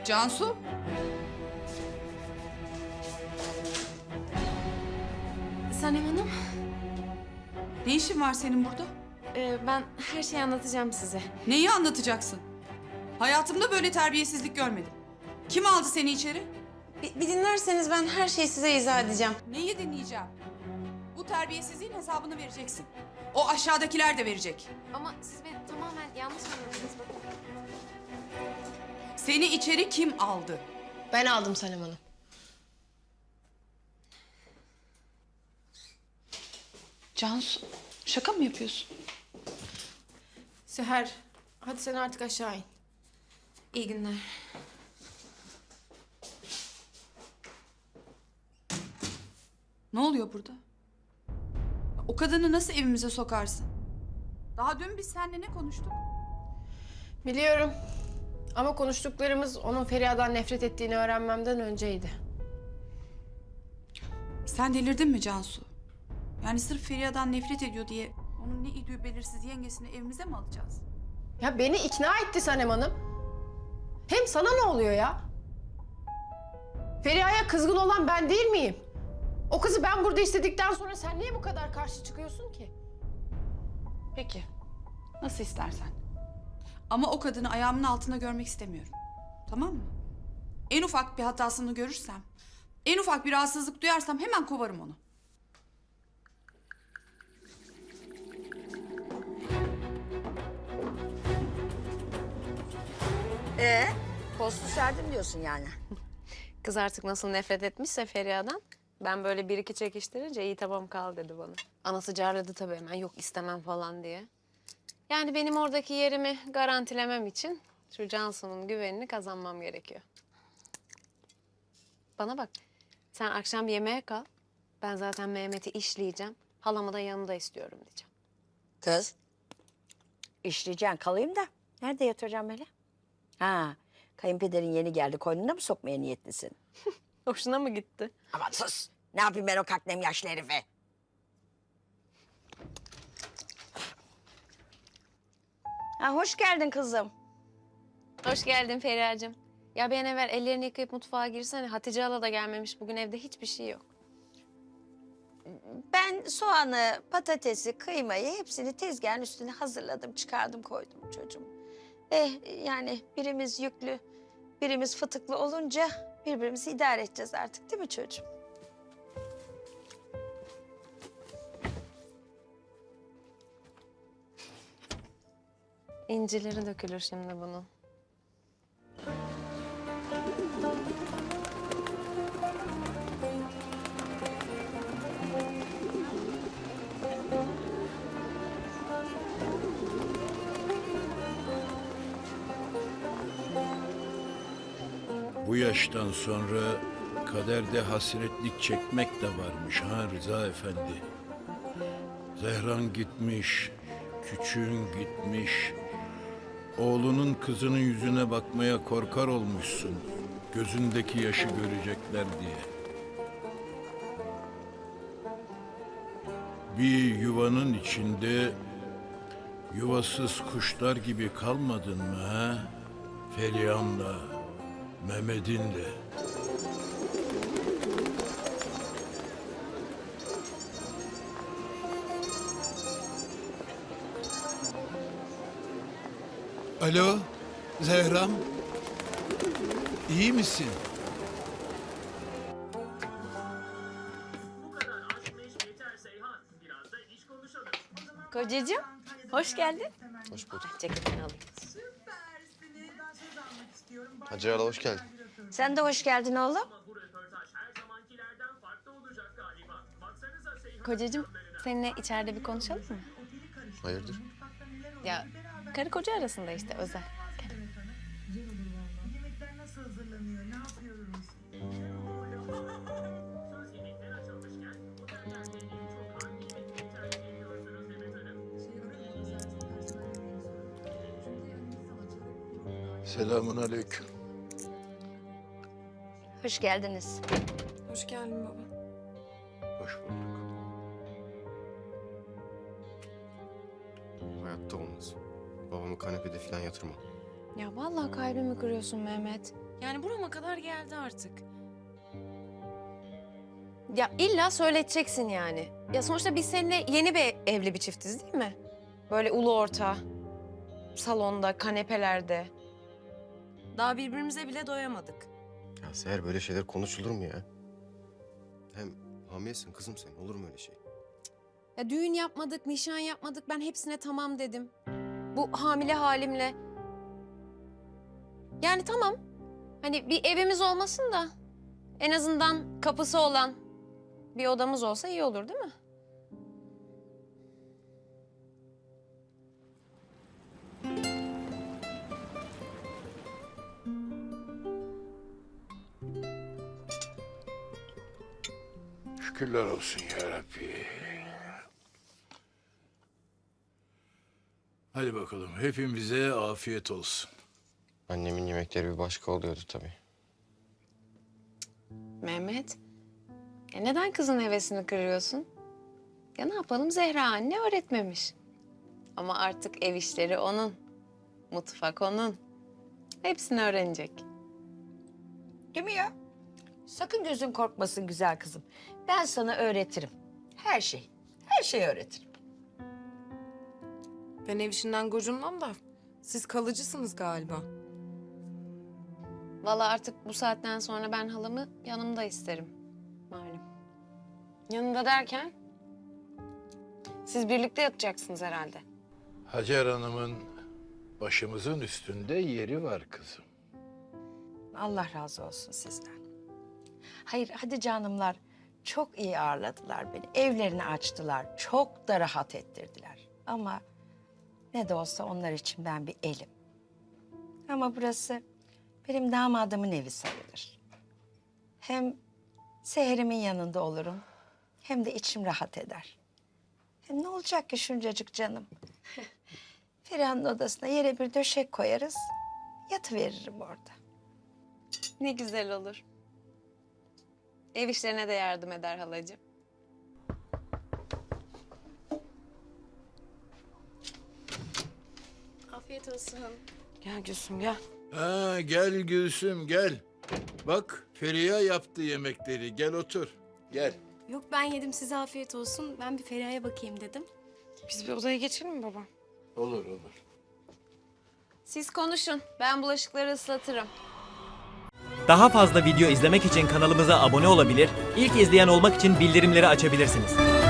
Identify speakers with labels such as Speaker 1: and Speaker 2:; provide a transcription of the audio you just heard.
Speaker 1: Cansu?
Speaker 2: Sanem Hanım,
Speaker 1: Ne işin var senin burada?
Speaker 2: ben her şeyi anlatacağım size.
Speaker 1: Neyi anlatacaksın? Hayatımda böyle terbiyesizlik görmedim. Kim aldı seni içeri?
Speaker 2: Bir dinlerseniz ben her şeyi size izah edeceğim.
Speaker 1: Neyi dinleyeceğim? Bu terbiyesizliğin hesabını vereceksin. O aşağıdakiler de verecek.
Speaker 2: Ama siz beni tamamen yanlış anladınız bakın.
Speaker 1: Seni içeri kim aldı?
Speaker 3: Ben aldım Sanem Hanım.
Speaker 1: Cansu, şaka mı yapıyorsun?
Speaker 2: Seher, hadi sen artık aşağı in. İyi günler.
Speaker 1: Ne oluyor burada? O kadını nasıl evimize sokarsın? Daha dün biz seninle ne konuştuk?
Speaker 3: Biliyorum. Ama konuştuklarımız onun Feriha'dan nefret ettiğini öğrenmemden önceydi.
Speaker 1: Sen delirdin mi Cansu? Yani sırf Feriha'dan nefret ediyor diye onun ne idüğü belirsiz yengesini evimize mi alacağız?
Speaker 3: Ya beni ikna etti Sanem Hanım. Hem sana ne oluyor ya? Feriha'ya kızgın olan ben değil miyim? O kızı ben burada istedikten sonra sen niye bu kadar karşı çıkıyorsun ki?
Speaker 1: Peki. Nasıl istersen. Ama o kadını ayağımın altında görmek istemiyorum. Tamam mı? En ufak bir hatasını görürsem, en ufak bir rahatsızlık duyarsam hemen kovarım onu.
Speaker 4: Postu serdim diyorsun yani.
Speaker 5: Kız artık nasıl nefret etmişse Feriha'dan, ben böyle bir iki çekiştirince iyi tamam kal dedi bana. Anası carladı tabii hemen, yok istemem falan diye. Yani benim oradaki yerimi garantilemem için şu Cansu'nun güvenini kazanmam gerekiyor. Bana bak, sen akşam yemeğe kal. Ben zaten Mehmet'i işleyeceğim. Halamı da yanında istiyorum diyeceğim.
Speaker 4: Kız, işleyeceksin kalayım da. Nerede yatıracağım böyle? Ha, kayınpederin yeni geldi. Koynuna mı sokmaya niyetlisin?
Speaker 5: Hoşuna mı gitti?
Speaker 4: Aman sus. Ne yapayım ben o kaknem yaşlı herife? Ha, hoş geldin kızım.
Speaker 5: Hoş geldin Feriha'cığım. Ya bir an evvel ellerini yıkayıp mutfağa girsene. Hatice hala da gelmemiş. Bugün evde hiçbir şey yok.
Speaker 4: Ben soğanı, patatesi, kıymayı hepsini tezgahın üstüne hazırladım, çıkardım, koydum çocuğum. Yani birimiz yüklü, birimiz fıtıklı olunca birbirimizi idare edeceğiz artık değil mi çocuğum?
Speaker 5: İncileri dökülür şimdi bunun.
Speaker 6: Bu yaştan sonra kaderde hasretlik çekmek de varmış ha Rıza Efendi. Zehran gitmiş, küçüğün gitmiş. Oğlunun kızının yüzüne bakmaya korkar olmuşsun. Gözündeki yaşı görecekler diye. Bir yuvanın içinde yuvasız kuşlar gibi kalmadın mı ha? Feriha'nla, Mehmet'in de.
Speaker 7: Alo, Zehram. İyi misin?
Speaker 5: Kocacığım, hoş geldin.
Speaker 8: Hoş bulduk.
Speaker 5: Ceketini alayım.
Speaker 8: Hacer hala hoş geldin.
Speaker 4: Sen de hoş geldin oğlum.
Speaker 5: Kocacığım, seninle içeride bir konuşalım mı?
Speaker 8: Hayırdır?
Speaker 5: Ya, karı koca arasında işte, özel.
Speaker 9: Yemekler nasıl hazırlanıyor, ne yapıyoruz?
Speaker 6: Selamun aleyküm.
Speaker 4: Hoş geldiniz.
Speaker 2: Hoş geldin baba.
Speaker 6: Hoş bulduk.
Speaker 8: Hayatta olmaz. Babamı kanepede falan yatırmam.
Speaker 5: Ya vallahi kalbimi kırıyorsun Mehmet.
Speaker 2: Yani burama kadar geldi artık.
Speaker 5: Ya illa söyleteceksin yani. Ya sonuçta biz seninle yeni bir evli bir çiftiz değil mi? Böyle ulu orta, salonda, kanepelerde. Daha birbirimize bile doyamadık.
Speaker 8: Ya Seher böyle şeyler konuşulur mu ya? Hem hamilesin kızım sen. Olur mu öyle şey?
Speaker 5: Ya düğün yapmadık, nişan yapmadık. Ben hepsine tamam dedim. Bu hamile halimle. Yani tamam. Hani bir evimiz olmasın da en azından kapısı olan bir odamız olsa iyi olur değil mi?
Speaker 6: Şükürler olsun ya Rabbi. Hadi bakalım hepimize afiyet olsun.
Speaker 8: Annemin yemekleri bir başka oluyordu tabii.
Speaker 5: Mehmet, neden kızın hevesini kırıyorsun? Ya ne yapalım, Zehra anne öğretmemiş. Ama artık ev işleri onun, mutfak onun. Hepsini öğrenecek.
Speaker 4: Değil mi ya? Sakın gözün korkmasın güzel kızım. Ben sana öğretirim. Her şey. Her şeyi öğretirim.
Speaker 2: Ben ev işinden gocunmam da siz kalıcısınız galiba.
Speaker 5: Vallahi artık bu saatten sonra ben halamı yanımda isterim. Malum. Yanında derken? Siz birlikte yatacaksınız herhalde.
Speaker 6: Hacer Hanım'ın başımızın üstünde yeri var kızım.
Speaker 4: Allah razı olsun sizden. Hayır hadi canımlar. Çok iyi ağırladılar beni. Evlerini açtılar. Çok da rahat ettirdiler. Ama ne de olsa onlar için ben bir elim. Ama burası benim damadımın evi sayılır. Hem Seher'imin yanında olurum. Hem de içim rahat eder. Hem ne olacak ki şuncacık canım? Feriha'nın odasına yere bir döşek koyarız. Yatıveririm orada.
Speaker 5: Ne güzel olur. Ev işlerine de yardım eder halacığım.
Speaker 2: Afiyet olsun.
Speaker 5: Gel Gülsüm gel.
Speaker 6: Ha, gel Gülsüm gel. Bak Feriha yaptı yemekleri. Gel otur. Gel.
Speaker 10: Yok ben yedim size afiyet olsun. Ben bir Feriha'ya bakayım dedim.
Speaker 2: Biz bir odaya geçelim mi baba?
Speaker 6: Olur olur.
Speaker 5: Siz konuşun. Ben bulaşıkları ıslatırım.
Speaker 11: Daha fazla video izlemek için kanalımıza abone olabilir, ilk izleyen olmak için bildirimleri açabilirsiniz.